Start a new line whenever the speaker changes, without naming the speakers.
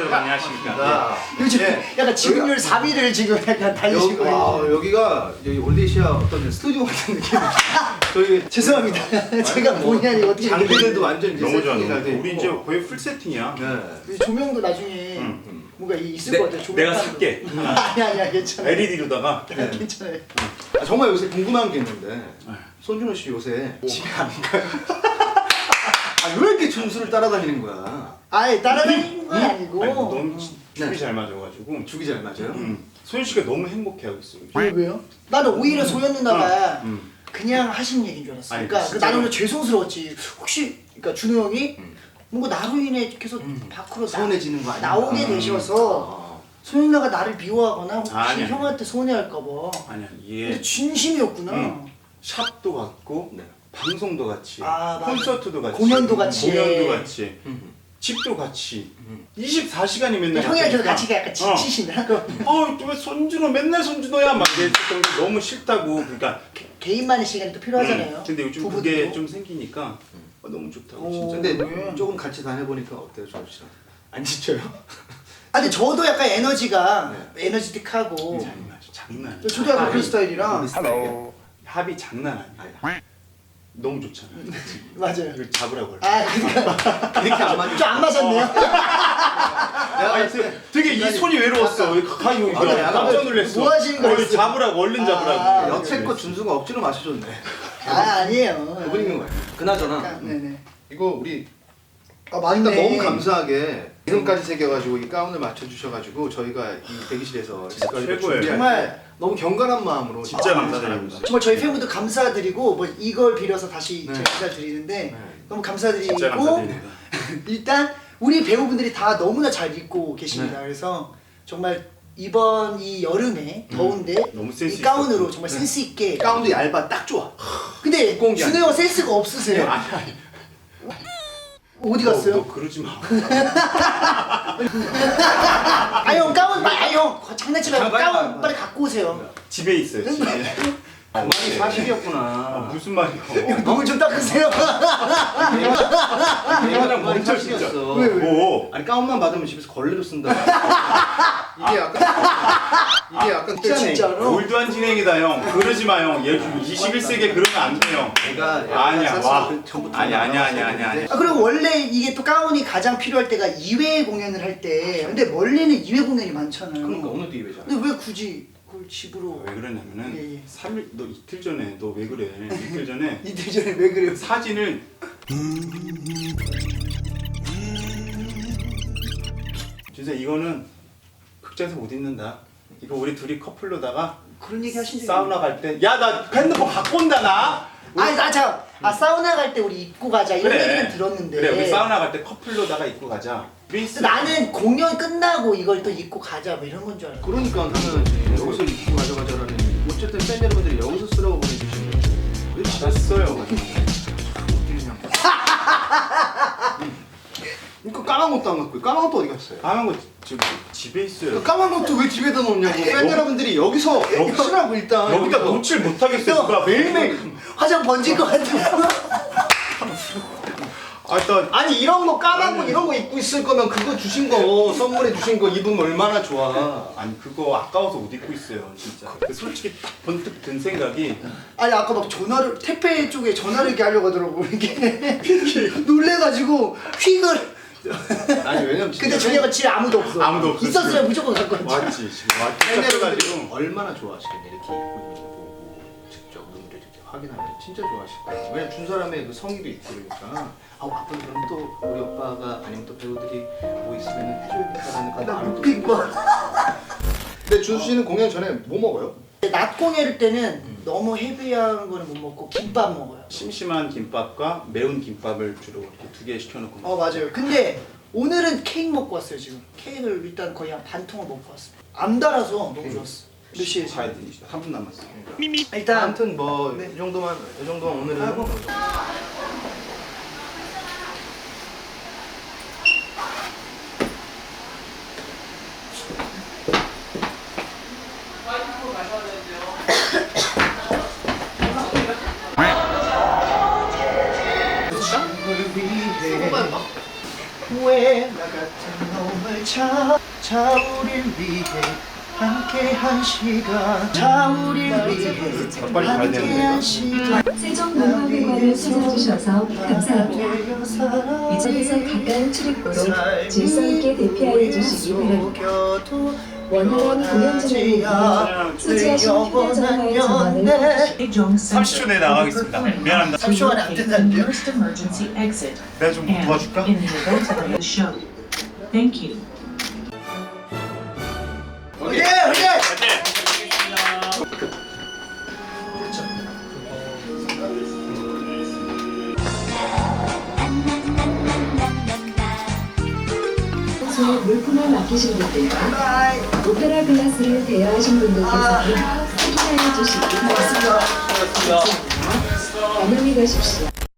안녕하십니까.
요즘 약간 지분율 3위를 지금 약간 달리시고
여기가 여기 올디시아 어떤 스튜디오 같은 느낌. 저희
죄송합니다. 제가 본의 아니게 어떻게
장비들도 완전 이제
너무 좋아.
세팅이 잘 돼
우리
있고.
이제 거의 풀 세팅이야.
네.
조명도 나중에 뭔가 있을 것 같아요.
내가 살게.
아니야 괜찮아.
LED로다가.
괜찮아요.
아, 정말 요새 궁금한 게 있는데 손준호 씨 요새 집에 안 가요? 아, 왜 이렇게 준수를 따라다니는 거야?
아예 따라다니는 건 아니고.
아니, 너무 축이
네.
잘 맞아가지고.
죽이 잘 맞아요?
소연 씨가 너무 행복해하고 있어.
왜요? 나는 오히려 소연 누나가
음.
그냥 하신 얘기인 줄 알았어.
아니,
그러니까
진짜로?
나는 오히려 죄송스러웠지. 혹시 그러니까 준호 형이 뭔가 나로 인해 계속 밖으로
서운해지는 거 아니야?
나오게 되셔서 소연 누나가 나를 미워하거나 혹시
아니.
형한테 손해할까봐.
아니야
근데
이게
진심이었구나.
샵도 같고
네.
방송도 같이
아, 맞아.
콘서트도 같이
공연도 같이
공연도 같이
음.
집도 같이 24시간이 맨날
형이랑 저도
같으니까.
같이 약간 지치신다.
왜 손준호 맨날 손준호야 막 이랬던 게 너무 싫다고. 그러니까
개인만의 시간이 또 필요하잖아요.
근데 요즘
부부도.
그게 좀 생기니까 너무 좋다고
오.
진짜.
근데
왜?
조금 같이 다녀보니까 어때요, 준호 씨랑? 안 지쳐요?
아 근데 저도 약간 에너지가
네.
에너지틱하고
장난 아니야.
저도 약간 그런 스타일이라
합이 장난 아니야. 너무 좋잖아.
맞아요.
이걸 잡으라고 할
아 그러니까
이렇게 안 맞죠?
좀안 맞았네요.
아니 되게 이 손이 외로웠어. 가요 이거
아,
깜짝 놀랐어.
뭐 하시는 거였어요?
잡으라고 얼른
아,
잡으라고.
여태껏 준수가 억지로 마셔줬네.
아 아니에요.
그분인 거예요. 그나저나
네네.
이거 우리
아 맞네.
일단 너무 감사하게 이름까지 새겨가지고 이 가운을 맞춰주셔가지고 저희가 이 대기실에서 지금까지
최고예요.
준비할
정말
때 너무 경건한 마음으로
진짜 감사드립니다.
정말 저희 팬분들 감사드리고 뭐 이걸 빌어서 다시
네.
제가 인사드리는데
네.
너무 감사드리고
진짜 감사드립니다.
일단 우리 배우분들이 다 너무나 잘 입고 계십니다.
네.
그래서 정말 이번 이 여름에 더운데
너무 센스
이 가운으로
있었고.
정말 센스 있게
가운도 얇아 딱 좋아.
근데
두꺼운 게
준호
아니야.
형 센스가 없으세요. 어디 갔어요?
너 그러지 마.
아 형 가운 형 장난치 말고
빨리,
가운
빨리.
빨리 갖고 오세요.
집에 있어요. 집에.
그만이 사실이었구나.
무슨 말이야?
눈물 좀 닦으세요.
그냥
멈춰, 진짜.
왜?
오.
아니 가운만 받으면 집에서 걸레로 쓴다. 이게 약간
진짜로?
올드한 진행이다 형. 그러지 마 형. 얘 21세기에 그러면 안 돼 형.
내가
아니야 와.
전부터
아니야.
아 그리고 원래 이게 또 가운이 가장 필요할 때가 2회 공연을 할 때. 근데 원래는 2회 공연이 많잖아요.
그러니까 오늘도 이회잖아.
근데 왜 굳이 그걸 집으로
왜 그러냐면은
예, 예.
3일 너 이틀 전에 너 왜 그래? 이틀 전에
이틀 전에 왜 그래요?
사진을 진짜 이거는 극장에서 못 입는다. 이거 우리 둘이 커플로다가
그런 얘기 하신 적이
사우나 갈 때 야 나 핸드폰 갖고 온다 나.
아니 아 사우나 갈 때 우리 입고 가자 이런
그래.
얘기는 들었는데
그래 우리 사우나 갈 때 커플로다가 입고 가자.
근데 나는 공연 끝나고 이걸 또 입고 가자 뭐 이런 건 줄 알고.
그러니까 나는 여기서 입고 가져가자라는 어쨌든 팬 여러분들이 여기서 쓰라고 보내주신 거예요. 왜
받았어요.
그러니까 까만 것도 안 갖고 있고 까만 것도 어디 갔어요?
까만 거 지금 집에 있어요.
그 까만 것도 왜 집에다 놓냐고 팬 여러분들이 여기서 쓰라고 일단
여기다 놓질 못하겠어요. 누가
매일매일 화장 번질 것 같아요.
일단
아니 이런 거 까만 거 이런 거 입고 있을 거면 그거 주신 거 선물해 주신 거 입으면 얼마나 좋아.
아니 그거 아까워서 못 입고 있어요 진짜. 근데 솔직히 딱 번뜩 든 생각이
아니 아까 막 전화를 택배 쪽에 전화를 이렇게 하려고 하더라고 이게 놀래가지고 휙을.
아니 왜냐면
근데 저녁은 집에 아무도 없어.
아무도 없어.
있었으면 무조건 갖고 왔지.
왔지 지금 왔지
팬 여러분들이
찾아가지고
얼마나 좋아하시겠냐 이렇게 입고 있는 거 보고 직접 눈으로 이렇게 확인하면 진짜 좋아하실 거예요. 왜냐면 준 사람의 그 성의도 있고 그러니까 앞으로 그럼 또 우리 오빠가 아니면 또 배우들이 뭐 있으면 해줘야겠다라는 그 마음이 또
빅 뭐.
근데 준수 씨는 공연 전에 뭐 먹어요?
낮 공연일 때는 너무 헤비한 거는 못 먹고 김밥 먹어요.
심심한 김밥과 매운 김밥을 주로 이렇게 2개 시켜놓고
맞아요. 근데 오늘은 케이크 먹고 왔어요 지금. 케이크를 일단 거의 한 반 통을 먹고 왔어요. 안 달아서 너무 좋았어. 몇 시에
가야 되니까 3분 남았어.
일단
아무튼 뭐
네.
이 정도만 오늘은
아이고. 왜 나 같은 꿈을 자 우릴 위해 함께 한 시간 자 우릴 위해
빨리 가야
함께
되는데,
한 시간
세종문화회관을 찾아주셔서 감사합니다. 이 자리에서 가까운 출입구로 질서 있게 대피하여 주시기 바랍니다. 원활한 공연 진행을 위해 소지하신 휴대전화의 전원을
30초 내에 나가겠습니다. 미안합니다.
30초 안에 안 된다는데요?
내가 좀 도와줄까?
Thank you.
오케이 오케이
평소에 물품을 맡기신 분들과 오페라 글라스를 대여하신 분들께서는 확인하여 주시기 바랍니다. 안녕히 가십시오.